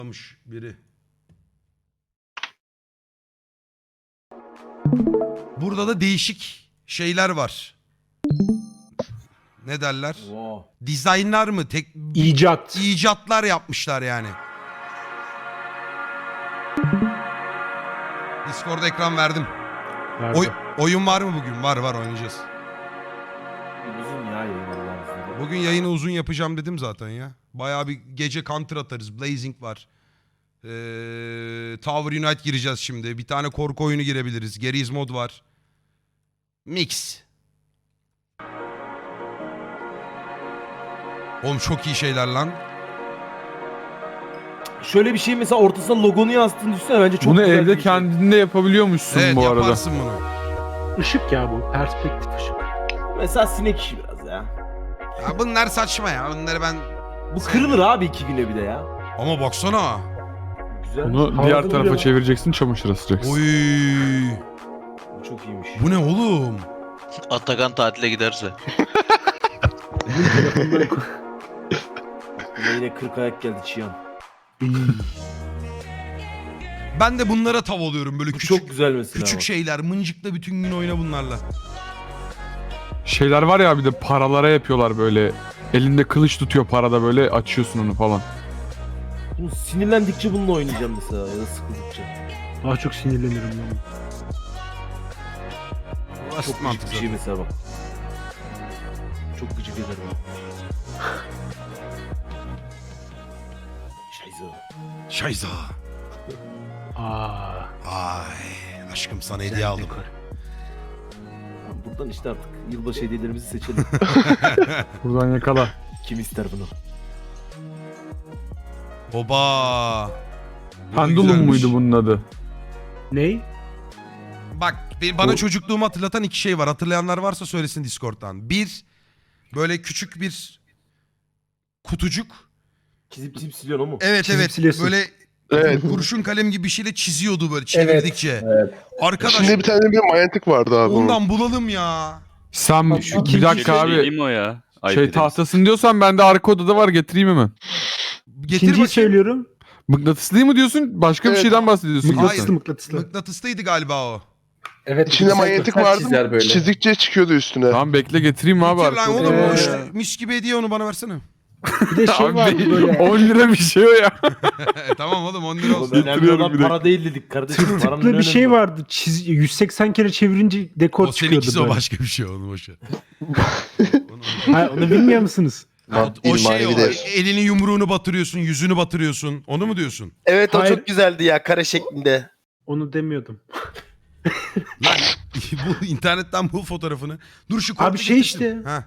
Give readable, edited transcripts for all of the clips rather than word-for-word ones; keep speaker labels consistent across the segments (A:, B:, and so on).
A: biri. Burada da değişik şeyler var. Ne derler?
B: Wow.
A: Dizaynlar mı?
C: İcat.
A: İcatlar yapmışlar yani. Discord'da ekran verdim. Oyun var mı bugün? Var oynayacağız.
B: Uzun ya yayın Allah'ın izniyle.
A: Bugün yayını uzun yapacağım dedim zaten ya. Bayağı bir gece counter atarız. Blazing var. Tower Unite gireceğiz şimdi. Bir tane korku oyunu girebiliriz. Geriz mod var. Mix. Oğlum çok iyi şeyler lan.
B: Şöyle bir şey mesela ortasına logonu yazdığını düşünsene bence çok
D: Bunu
B: güzel
D: evde
B: bir şey.
D: kendinde yapabiliyormuşsun
A: Evet
D: bu arada.
A: yaparsın bunu.
C: Işık ya bu. Perspektif ışık.
B: Mesela sinek işi biraz ya.
A: Ya bunlar saçma ya. Bunları ben...
B: Bu kırılır abi 2 güne bir de ya.
A: Ama baksana.
B: Güzel.
D: Bunu
C: Havada
D: diğer tarafa
C: duruyor.
D: çevireceksin, çamaşır asacaksın.
A: Oy.
B: Bu çok iyiymiş.
A: Bu ne oğlum?
E: Atakan tatile giderse.
B: Buna yine 40 ayak geldi Çiyan.
A: Ben de bunlara tav oluyorum böyle
B: Bu
A: küçük
B: çok güzel mesela.
A: küçük şeyler. Mıncıkla bütün gün oyna bunlarla.
D: Şeyler var ya, bir de paralara yapıyorlar böyle. Elinde kılıç tutuyor parada, böyle açıyorsun onu falan.
B: Bunu sinirlendikçe bununla oynayacağım mesela ya da sıkıldıkça.
C: Daha çok sinirlenirim ben.
A: Basit
B: Çok gıcık
A: mantık
B: bir şey mesela bak. Çok gıcık eder bana. Şayza.
A: Şayza.
C: Aa.
A: Ay aşkım sana hediye
C: güzel
A: aldım.
C: dekor.
B: Tamam, buradan işte artık yılbaşı hediyelerimizi seçelim.
D: Buradan yakala.
B: Kim ister bunu?
A: Oba. Bu da
D: Pendulum
A: güzelmiş.
D: muydu bunun adı?
C: Ney?
A: Bak bana
D: Bu-
A: çocukluğumu hatırlatan iki şey var. Hatırlayanlar varsa söylesin Discord'dan. Bir, böyle küçük bir kutucuk.
B: Çizip çizip siliyorsun o mu?
A: Evet
C: Çizip
A: evet.
C: siliyorsun.
A: Böyle
F: Evet.
A: kurşun kalem gibi bir şeyle çiziyordu böyle çevirdikçe. Arkadaş
F: İçinde bir tane bir manyetik vardı abi onun.
A: ondan bulalım ya.
D: Sen bir dakika abi.
G: Değil mi o ya?
D: Şey tahtasın diyorsan bende arka odada var, getireyim hemen.
A: Getir
C: İkinciyi
A: bakayım.
C: söylüyorum.
D: Mıknatıslı mı diyorsun? Başka bir
F: Evet.
D: şeyden bahsediyorsun.
A: Hayır.
C: Mıknatıslı mıknatıslı.
A: Mıknatıslıydı galiba o.
H: Evet.
F: İçinde manyetik vardı. Çizdikçe çıkıyordu üstüne.
D: Tamam bekle, getireyim abi
A: Getir
D: arka
A: lan
D: odada.
A: oğlum o
C: Ee.
A: işte mis gibi hediye onu bana versene.
C: Bir de şey var
D: Abi
C: böyle.
D: 10 lira bir şey o ya.
A: Tamam oğlum 10 lira
B: Oğlum
A: olsun.
B: önemli
D: Getiriyorum
B: olan
D: bir dakika.
B: para değil dedik kardeşim. Paranın
C: Tıklı bir
B: önemi
C: şey
B: var.
C: vardı. 180 kere çevirince dekor
A: O
C: çıkıyordu
A: seninkisi o
C: böyle.
A: başka bir şey onu boşver.
C: Ha, onu bilmiyor musunuz?
A: O şey
F: İlmari
A: o
F: bir de.
A: elini yumruğunu batırıyorsun yüzünü batırıyorsun onu mu diyorsun?
H: Evet o
C: Hayır.
H: çok güzeldi ya kare şeklinde.
C: Onu demiyordum.
A: Lan bu internetten bul fotoğrafını. Dur şu
C: Abi
A: korku
C: şey
A: getirsin.
C: işte.
A: Ha.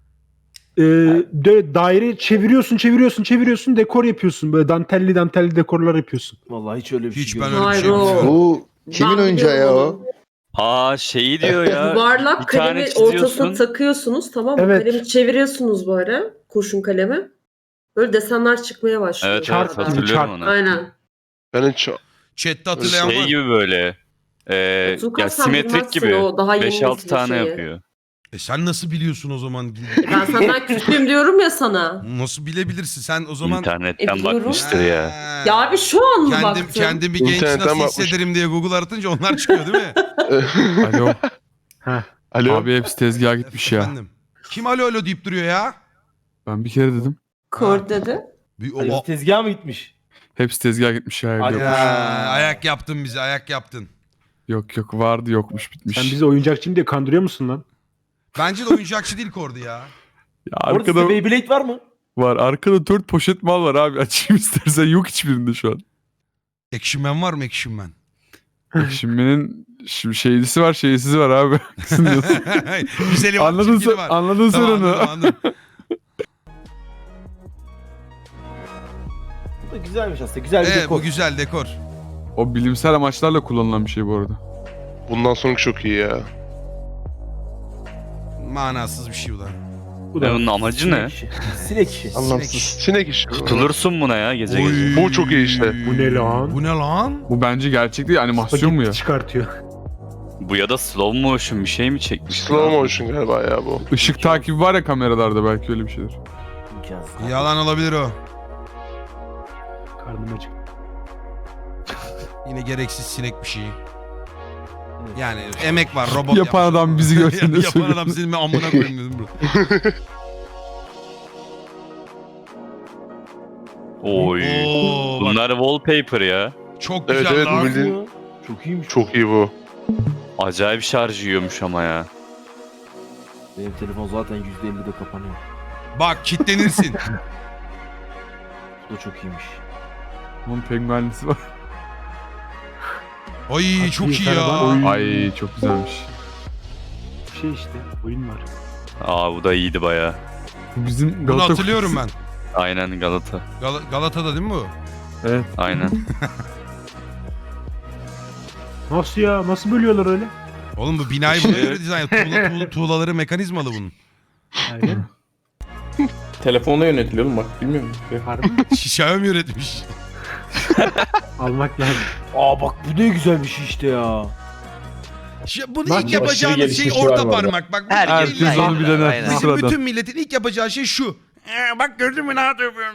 C: Daire çeviriyorsun dekor yapıyorsun. Böyle dantelli dekorlar yapıyorsun.
B: Vallahi hiç öyle bir
A: Hiç
B: şey
A: ben
B: görmedim.
A: öyle bir şey
I: Hayır, o-
A: bilmiyorum.
F: Bu kimin
I: Ben
F: oyuncağı ya
I: biliyorum
F: o?
G: Aa şeyi diyor ya.
I: Yuvarlak
G: bir tane
I: kalemi
G: çiziyorsun.
I: ortasına takıyorsunuz, tamam mı?
C: Evet.
I: Kalemi çeviriyorsunuz böyle, kurşun kalemi. Böyle desenler çıkmaya başlıyor.
G: Evet
C: Çarp
G: evet
C: gibi,
G: hatırlıyorum
C: çarp.
G: onu.
I: Aynen.
F: Ben hiç...
A: Chat'te hatırlayan
G: Şey
A: var.
G: gibi böyle.
I: Tuğkan,
G: Ya
I: sen
G: simetrik
I: bilmezsin
G: gibi.
I: o daha yeni
G: 5-6
I: nesil
G: tane
I: şeyi.
G: yapıyor.
A: Sen nasıl biliyorsun o zaman?
I: Ben senden küçüğüm diyorum ya sana.
A: Nasıl bilebilirsin sen o zaman?
G: İnternetten
I: biliyorum.
G: bakmıştır ya.
A: Ha.
I: Ya abi şu an mı baktın?
A: Kendimi genç
F: İnternetten
A: nasıl
F: bakmış.
A: hissederim diye Google aratınca onlar çıkıyor değil mi?
D: Alo.
F: Alo.
D: Abi hepsi tezgaha gitmiş ya.
A: Efendim. Kim alo alo deyip duruyor ya?
D: Ben bir kere dedim.
I: Kor dedi.
B: Herif tezgaha mı gitmiş?
D: Hepsi tezgaha gitmiş ya.
B: Hadi
D: Yok.
B: ya.
A: Ayak yaptın bize ayak yaptın.
D: Yok vardı, yokmuş, bitmiş.
C: Sen bizi oyuncakçıyım diye kandırıyor musun lan?
A: Bence de oyuncakçı değil Kordi ya.
D: Ya
B: Orada
D: arkada
B: sizde Beyblade var mı?
D: var. Arkada 4 poşet mal var abi. Açayım istersen. Yok hiçbirinde şu an.
A: Action Man var mı Action Man?
D: Şimdinin şeylisi var, şeysizi var abi.
A: Güzeli var,
D: Anladın
A: çirkini
D: sen,
A: var.
D: anladın sen
A: Tamam,
D: onu.
A: anladım.
B: Bu da güzelmiş aslında. Güzel bir
A: Evet
B: dekor.
A: bu güzel dekor.
D: O bilimsel amaçlarla kullanılan bir şey bu arada.
F: Bundan sonraki çok iyi ya.
A: Manasız bir şey bu da.
C: Bu
G: Bunun amacı ne?
B: Sinek işi. Sinek işi.
F: Anlamsız. Sinek işi.
G: Tutulursun buna ya gece
A: Oy.
G: gece.
F: Bu çok iyi işte.
C: Bu ne lan?
A: Bu ne lan?
D: Bu bence gerçek değil, animasyon mu ya?
C: Çıkartıyor.
G: Bu ya da slow motion bir şey mi çekmiş?
F: Slow motion galiba ya bu.
D: Işık takibi var ya kameralarda, belki öyle bir şeydir.
B: İmkansız.
A: Yalan olabilir o.
C: Karnım acıktı.
A: Yine gereksiz sinek bir şey. Yani emek var, robot
D: Yapan
A: yapmış.
D: adam bizi görsün de
A: Yapan
D: söylüyor.
A: adam senin amına koyayım dedim bro.
G: Oy.
A: Oo, bak,
G: Bunlar wallpaper ya.
A: çok
F: Evet
A: güzel
F: evet bu
A: lan.
F: bildiğin
B: Çok iyiymiş.
F: çok iyi bu.
G: Acayip şarj yiyormuş ama ya.
B: Benim telefon zaten %50'de kapanıyor.
A: Bak kitlenirsin.
B: Bu da çok iyiymiş.
D: Onun penguenlisi var.
A: Ay çok iyi ya.
C: karavan.
D: Ay çok güzelmiş.
C: Şey işte oyun var.
G: Aa bu da iyiydi baya.
D: Bu bizim
A: Bunu
D: Galata
A: hatırlıyorum ben.
G: Aynen Galata.
A: Galata'da değil mi bu?
D: Evet.
G: Aynen.
C: Nasıl ya? Nasıl bölüyorlar öyle?
A: Oğlum bu binayı buna göre dizayn. Tuğlaları mekanizmalı bunun.
C: Aynen.
H: Telefonla yönetiliyor oğlum bak bilmiyor musun?
C: Harbi mi?
A: Xiaomi üretmiş.
C: Almak lazım.
B: Aa bak bu ne güzel bir şey işte ya.
A: Bunu
C: Bak,
A: ilk yapacağınız
H: aşırı
A: şey
H: gelişmiş
A: orta
H: var bu arada.
A: parmak. Bak
E: Herkes
A: illa-
D: Herkes onu bir dener.
E: Aynen.
A: Bizim
D: Sıradan.
A: bütün milletin ilk yapacağı şey şu. Bak gördün mü ne yapıyorum?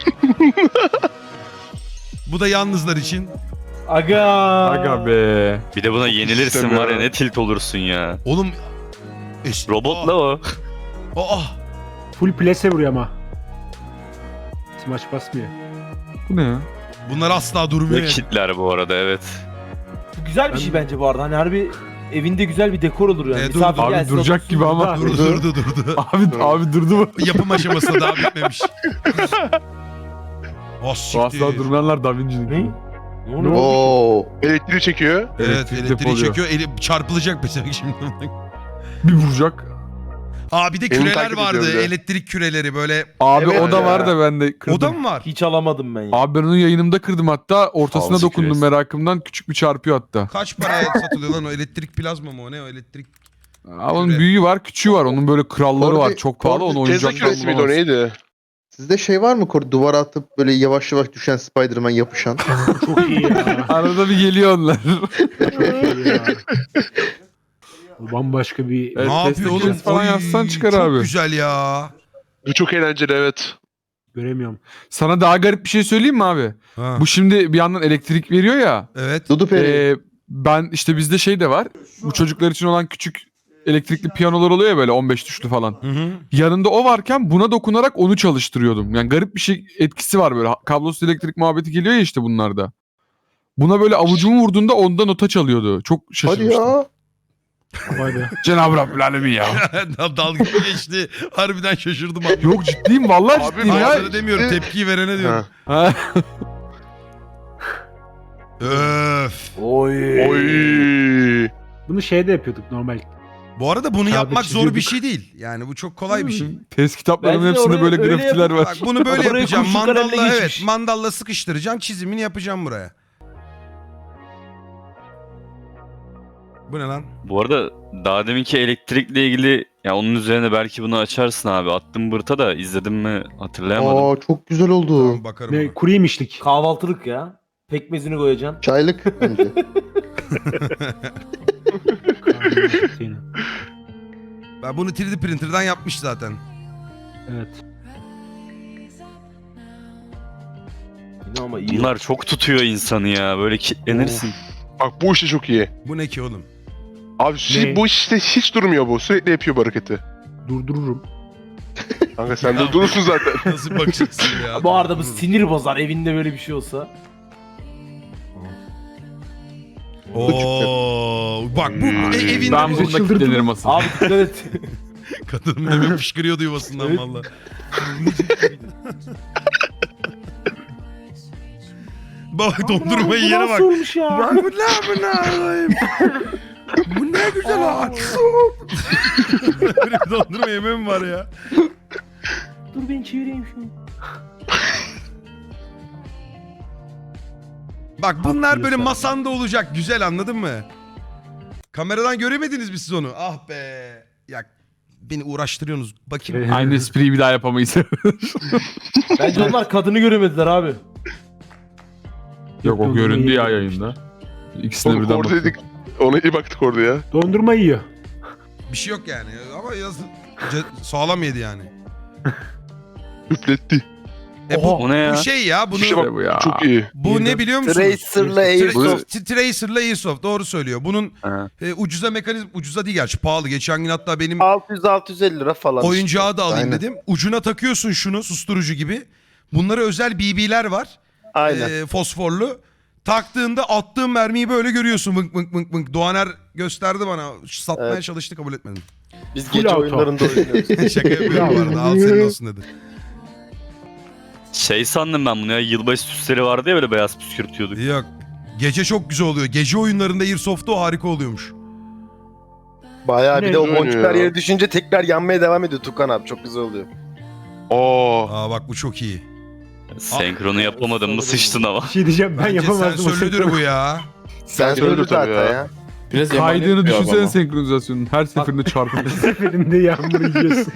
A: Bu da yalnızlar için.
B: Aga.
D: Aga be.
G: Bir de buna yenilirsin var ya
F: istemiyorum.
G: ne tilt olursun ya.
A: Oğlum.
G: Robotla o.
A: Aa.
C: Full plase vuruyor ama. Smash basmıyor.
D: Bu ne ya?
A: Bunlar asla durmuyor.
G: Ve kitler bu arada evet.
B: Bu güzel bir şey bence bu arada. Hani harbi evinde güzel bir dekor olur yani.
A: Dur,
B: Misafir
D: abi
B: gelsin,
D: duracak
B: otursun
D: gibi ama.
B: burada.
A: Durdu.
D: Abi durdu mu?
A: Yapım aşamasında daha bitmemiş. Oh
D: Bu
A: siktir.
D: asla durmayanlar Da Vinci'nin.
B: Ne? Ne oluyor?
H: Oo.
F: Elektriği çekiyor.
A: Evet
D: Elektrik
A: elektriği
D: depoluyor.
A: çekiyor. Çarpılacak mesela şimdi.
D: Bir vuracak.
A: Aa bir de
F: Beni
A: küreler
F: takip
A: vardı.
F: ediyor bir de.
A: Elektrik küreleri böyle.
D: Abi
H: Evet
D: o da
H: ya.
D: var da ben de kırdım.
A: O da mı var?
B: Hiç alamadım ben ya.
D: Abi ben onu yayınımda kırdım hatta. Ortasına
G: Havası
D: dokundum
G: küresi.
D: merakımdan. Küçük bir çarpıyor hatta.
A: Kaç paraya satılıyor lan o elektrik plazma mı o ne o elektrik?
D: Abi onun
A: Küre.
D: büyüğü var, küçüğü var. Onun böyle kralları var.
H: Orada-
D: Çok pahalı. Onu
H: orada
F: Tesla
D: oyuncaktan
F: küresi miydi o
D: bulamazsın.
F: neydi?
H: Sizde şey var mı? Duvara atıp böyle yavaş yavaş düşen Spider-Man yapışan.
C: Çok iyi ya.
D: Arada bir geliyor onlar.
C: Çok iyi ya. Bu bambaşka bir...
D: Evet,
A: ne
D: Tesla
A: yapıyor oğlum?
D: küresi falan
A: Oy,
D: yazsan çıkar
A: çok
D: abi.
A: güzel ya.
F: Bu çok eğlenceli evet.
C: Göremiyorum.
D: Sana daha garip bir şey söyleyeyim mi abi?
A: Ha.
D: Bu şimdi bir yandan elektrik veriyor ya.
A: Evet.
H: Dudu Peri.
D: Ben işte bizde şey de var. Bu çocuklar için olan küçük elektrikli piyanolar oluyor ya böyle 15 tuşlu falan.
A: Hı hı.
D: Yanında o varken buna dokunarak onu çalıştırıyordum. Yani garip bir şey etkisi var böyle. Kablosuz elektrik muhabbeti geliyor ya işte bunlarda. Buna böyle avucumu vurduğunda onda nota çalıyordu. Çok
H: Hadi
D: şaşırmıştım.
H: ya.
C: Vay be.
D: Cenab-ı Rabbül Alemin ya.
A: Dalga geçti. Harbiden şaşırdım abi.
D: Yok ciddiyim vallahi
F: Abi,
D: ciddiyim ya.
A: Hayır demiyorum tepkiyi verene diyorum.
F: Ha.
D: Ha.
A: Öf.
B: Oy.
F: Oy.
C: Bunu şeyde yapıyorduk normal.
A: Bu arada bunu
C: Kağıda
A: yapmak zor bir
C: çiziyorduk.
A: şey değil. Yani bu çok kolay bir şey.
D: Test kitaplarımın
B: Bence de
D: hepsinde
B: oraya
D: böyle
B: öyle
D: grafitiler var.
A: Bak bunu böyle
B: Oraya
A: yapacağım.
B: kurşun kalemle
A: Mandalla
B: geçmiş.
A: mandalla sıkıştıracağım. Çizimini yapacağım buraya. Bu ne lan?
G: Bu arada daha deminki elektrikle ilgili ya onun üzerine belki bunu açarsın abi. Attım bırta da izledim mi hatırlayamadım.
H: Aa çok güzel oldu.
A: Tamam bakarım.
C: Ne,
A: ona.
C: kuru yemişlik.
B: Kahvaltılık ya. Pekmezini koyacaksın.
H: Çaylık bence.
A: Ben bunu 3D printer'dan yapmış zaten.
C: Evet.
B: Yine ama iyi.
G: Bunlar çok tutuyor insanı ya. Böyle kilitlenirsin.
F: Bak bu işte çok iyi.
A: Bu ne ki oğlum?
F: Abi
C: Ne?
F: bu işte hiç durmuyor bu. Sürekli yapıyor bu hareketi.
C: Durdururum.
F: Kanka sen de durursun zaten.
A: Nasıl bakacaksın ya?
B: Bu arada bu sinir bozar evinde böyle bir şey olsa.
A: Oo, bak bu evinde
D: Ben
C: Bizi
D: bunda
C: çıldırdı
D: kilitlenirim
C: mı?
D: asıl.
B: Abi dikkat et.
A: kadın demin fışkırıyordu yuvasından
B: Evet.
A: valla. Bak dondurmayı
B: Bu
A: yere
B: nasıl
A: bak.
B: olmuş ya?
A: Bak bu ne alayım? Bu ne güzel ağaç. Böyle bir dondurma yemem var ya.
B: Dur ben çevireyim şunu.
A: Bak bunlar böyle
C: diyorsun.
A: masanda olacak. Güzel anladın mı? Kameradan göremediniz mi siz onu? Ah be. Ya beni uğraştırıyorsunuz. Bakayım.
D: Aynı espriyi bir daha yapamayız.
B: Bence onlar kadını göremediler abi.
D: Yok o göründü ya yayında. İkisine
F: Oğlum
D: birden baktım.
F: oradaydık. Ona iyi baktık orada ya.
C: Dondurma yiyor.
A: Bir şey yok yani. Ama sağlam yedi yani.
F: Üfletti.
G: O ne ya?
A: Bu şey ya bunu
F: İşte bak
D: bu ya.
F: çok iyi.
A: bu ne biliyor musunuz?
J: Tracer'la Airsoft.
A: Tracer'la Airsoft doğru söylüyor. Bunun
G: Ha.
A: ucuza mekanizm ucuza değil gerçi pahalı. Geçen gün hatta benim
J: 600-650 lira falan.
A: oyuncağı da alayım
H: Aynen.
A: dedim. Ucuna takıyorsun şunu susturucu gibi. Bunlara özel BB'ler var.
J: Aynen.
A: Fosforlu. Taktığında attığın mermiyi böyle görüyorsun. Vınk vınk vınk vınk. Doğaner gösterdi bana. Satmaya
J: Evet.
A: çalıştı kabul etmedim.
J: Biz
C: Full
J: gece
C: auto.
J: oyunlarında oynuyoruz.
A: Şaka yapıyorum bu arada. Al senin olsun dedi.
G: Şey sandım ben bunu ya. Yılbaşı süsleri vardı ya böyle beyaz püskürtüyorduk.
A: Yok. Gece çok güzel oluyor. Gece oyunlarında Airsoft'ta o harika oluyormuş.
J: Bayağı bir de o
F: Ne
J: boncuklar
F: oynuyor ya?
J: yere düşünce tekrar yanmaya devam ediyor Tukan abi. Çok güzel oluyor.
A: Aa bak bu çok iyi.
G: Senkronu yapamadın mı sıçtın ama.
C: Bir şey diyeceğim ben
A: Bence
C: yapamazdım. o
A: sensörlüdür bu ya.
J: Sen
F: Öyle
J: söyle
F: tabii
J: zaten
F: ya.
J: ya.
D: Biraz kaydığını düşünsene senkronizasyonun. Her seferinde çarpıyor.
C: seferinde yağmur yiyorsun.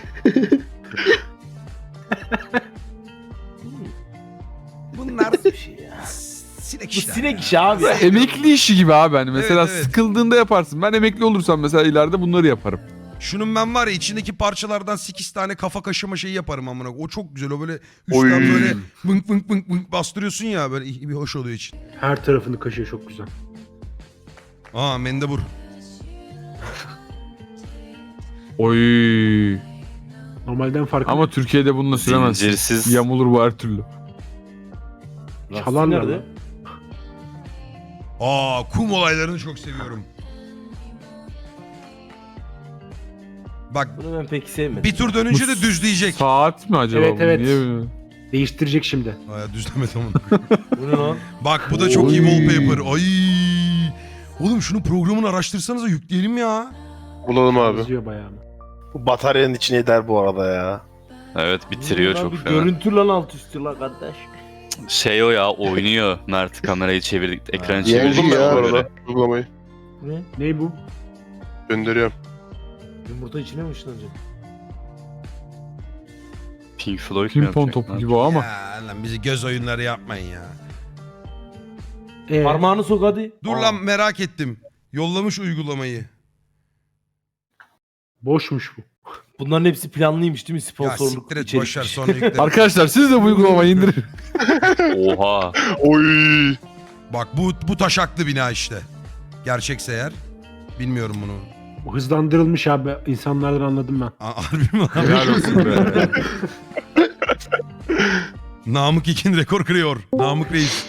A: Bunlar
B: Bir şey ya.
A: sinek
B: Bu
A: işler.
B: sinek işi abi.
D: Emekli işi gibi abi hani. Mesela
A: Evet, evet.
D: sıkıldığında yaparsın. Ben emekli olursam mesela ileride bunları yaparım.
A: Şunun ben var ya içindeki parçalardan 8 tane kafa kaşıma şeyi yaparım amına. O çok güzel. O böyle
F: Oy.
A: üstten böyle vınk vınk vınk vınk bastırıyorsun ya böyle bir hoş oluyor için.
C: Her tarafını kaşıyor çok güzel.
A: Aa mendebur.
D: Oy.
C: Normalden farklı.
D: Ama Türkiye'de bununla süremezsin.
G: Zincirsiz.
D: Yamulur bu her türlü.
C: Çalarlar
B: Nerede?
C: lan.
A: Aa kum olaylarını çok seviyorum. Bak
B: Bunu ben pek sevmedim.
A: bir tur dönünce de düzleyecek.
D: Saat mi acaba
C: Evet,
D: bu?
C: evet.
D: Niye böyle?
C: Değiştirecek şimdi.
A: Aa düzlemedi ama.
B: Bu ne lan?
A: Bak bu da çok iyi wallpaper. Ay. Oğlum şunu programını araştırsanıza yükleyelim ya.
F: Bulalım abi.
C: Yazıyor bayağı.
J: Bu bataryanın içine eder bu arada ya.
G: Evet bitiriyor
B: Lan
G: çok
B: bir
G: fena.
B: görüntü lan alt üstü lan kardeş.
G: Şey o ya oynuyor. Mert kamerayı çevirdik. Ekranı
H: Diğer
G: çevirdik.
H: şey
F: Buldum ben
H: ya.
F: bu arada uygulamayı.
B: Ne?
C: Ne bu?
F: Gönderiyorum.
B: Yumurta içine mi ışınlanacak?
G: Pink Floyd mu
D: Pimpon
G: yapacak?
D: topu
G: Ne
D: gibi o ama.
A: Ya lan bizi göz oyunları yapmayın ya.
B: Parmağını sok hadi.
A: Dur lan merak ettim. Yollamış uygulamayı.
C: Boşmuş bu.
B: Bunların hepsi planlıymış değil mi?
A: Ya
B: Sponsorluk
A: siktir et
B: içerik.
A: boşver sonra yükle.
D: Arkadaşlar siz de bu uygulamayı indirin.
G: Oha.
F: Oy.
A: Bak bu taşaklı bina işte. Gerçekse eğer. Bilmiyorum bunu.
C: Bu hızlandırılmış abi. İnsanlardan anladım ben.
A: Harbi mi lan?
D: Helal olsun be.
A: Namık İkin rekor kırıyor. Namık Reis.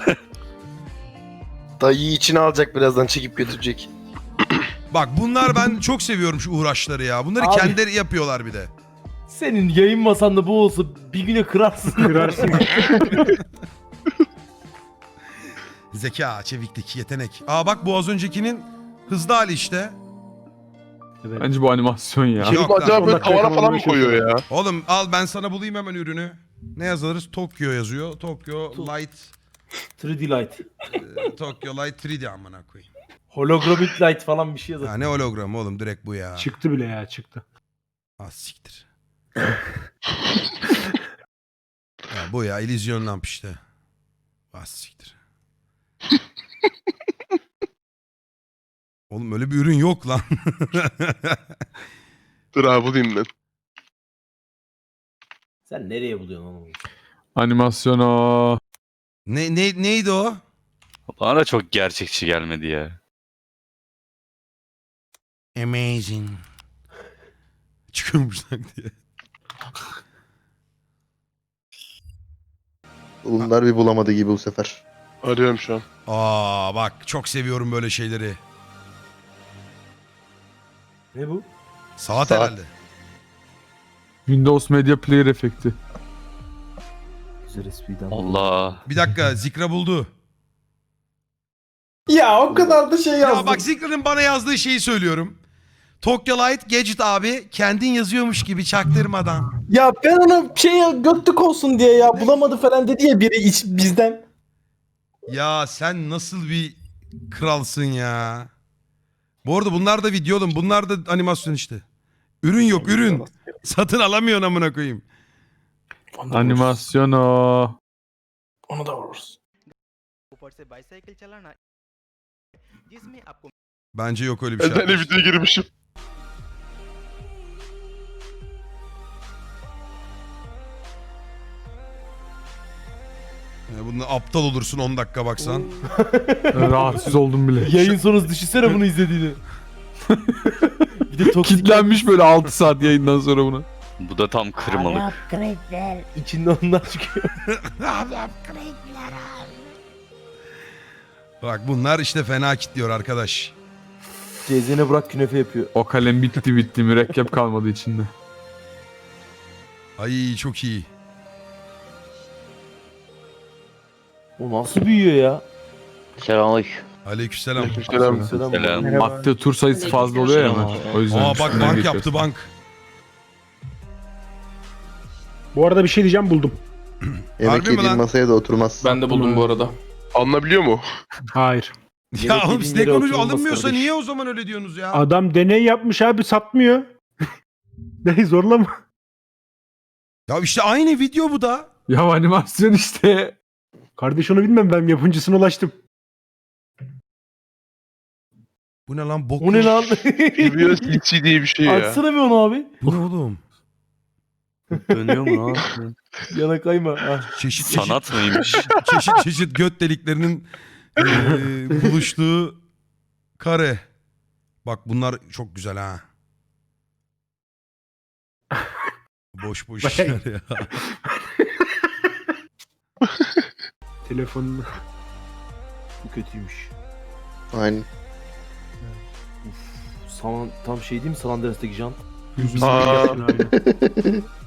J: Dayıyı içine alacak birazdan çekip götürecek.
A: Bak bunlar ben çok seviyorum şu uğraşları ya. Bunları
B: Abi.
A: kendileri yapıyorlar bir de.
B: Senin yayın masanda bu olsa bir güne kırarsın.
C: Kırarsın.
A: Zeka, çeviklik, yetenek. Aa bak bu az öncekinin hızlı hali işte.
C: Evet.
D: Bence bu animasyon ya.
A: Yok
F: Yok
A: lan.
F: acaba böyle
C: dakika
F: tavana falan mı
C: yakalamaya
F: koyuyor ya?
A: Oğlum al ben sana bulayım hemen ürünü. Ne yazarız? Tokyo yazıyor. Tokyo Light
B: 3D Light.
A: Tokyo Light 3D amına koyayım.
B: Holographic Light falan bir şey yazar.
A: Ya ne hologram oğlum direkt bu ya.
C: Çıktı bile ya çıktı.
A: Ah siktir. Ya bu ya illüzyon lamp işte. Ah siktir. Oğlum öyle bir ürün yok lan.
F: Dur abi bulayım ben.
B: Sen nereye buluyorsun onu?
D: Animasyon o.
A: Neydi o?
G: Bana da çok gerçekçi gelmedi ya.
A: Amazing. Çıkıyormuş lan diye.
H: Bunlar bir bulamadı gibi bu sefer.
F: Arıyorum şu an.
A: Aa bak çok seviyorum böyle şeyleri.
B: Ne bu?
A: Saat
H: Saat.
A: herhalde.
D: Windows Media Player efekti.
B: Güzel espriden.
G: Allah.
A: Bir dakika Zikra buldu.
J: Ya o kadar da şey
A: Ya bak Zikra'nın bana yazdığı şeyi söylüyorum. Tokyo Light Gadget abi kendin yazıyormuş gibi çaktırmadan.
J: Ya ben ona götlük olsun diye ya bulamadı falan dedi ya biri bizden.
A: Ya sen nasıl bir kralsın ya. Bu arada bunlar da video oğlum. Bunlar da animasyon işte. Ürün yok ürün. Satın alamıyorsun amına koyayım.
D: Animasyon o.
J: Onu da vururuz.
A: Bence yok öyle bir şey.
F: Ben de
A: arkadaşlar.
F: videoya girmişim.
A: Bunu aptal olursun 10 dakika baksan.
D: Rahatsız oldum bile.
B: Yayın sonrası düşünsene bunu izlediğini. Bir de toksik
D: Kitlenmiş böyle 6 saat yayından sonra buna.
G: Bu da tam kırmalık.
B: içinde onlar çıkıyor.
A: Bak bunlar işte fena kitliyor arkadaş.
B: Cezene bırak künefe yapıyor.
D: O kalem bitti mürekkep kalmadı içinde.
A: Ay çok iyi.
B: O nasıl büyüyor ya?
E: Selamünaleyküm.
A: Aleykümselam.
F: Aleykümselam.
G: Selam.
D: Madde tur sayısı fazla oluyor ya hemen. O yüzden
A: Aa bak
D: üstünden
A: bank
D: geçiyorsun.
A: yaptı bank.
C: Bu arada bir şey diyeceğim buldum.
H: Yemek
A: Harbi mi
H: yediğin
A: lan?
H: masaya da oturmaz.
J: Ben de buldum bu arada.
F: Alınabiliyor mu?
C: Hayır.
A: Ya
B: Yemek
A: oğlum
B: yediğin
A: siz ne
B: yere
A: konuşuyor?
B: oturulmaz
A: Alınmıyorsa
B: kardeş.
A: niye o zaman öyle diyorsunuz ya?
C: Adam deney yapmış abi satmıyor. Ne zorlama.
A: Ya işte aynı video bu da.
D: Ya animasyon işte.
C: Kardeş onu bilmem ben yapımcısına ulaştım.
A: Bu ne lan bok?
B: O ne lan?
F: Biliyor CC diye bir şey ya.
B: Açsana bir onu abi.
A: Bu ne oğlum?
G: Dönüyor mu lan?
B: Yana kayma. Ah.
A: Çeşit
G: Sanat mıymış?
A: çeşit göt deliklerinin buluştuğu kare. Bak bunlar çok güzel ha. Boş boş işler ya.
C: Telefonunu.
B: Bu kötüymüş.
H: Aynen.
B: Tam şey değil mi San Andreas'taki jant?
F: Aa.
C: Aynen.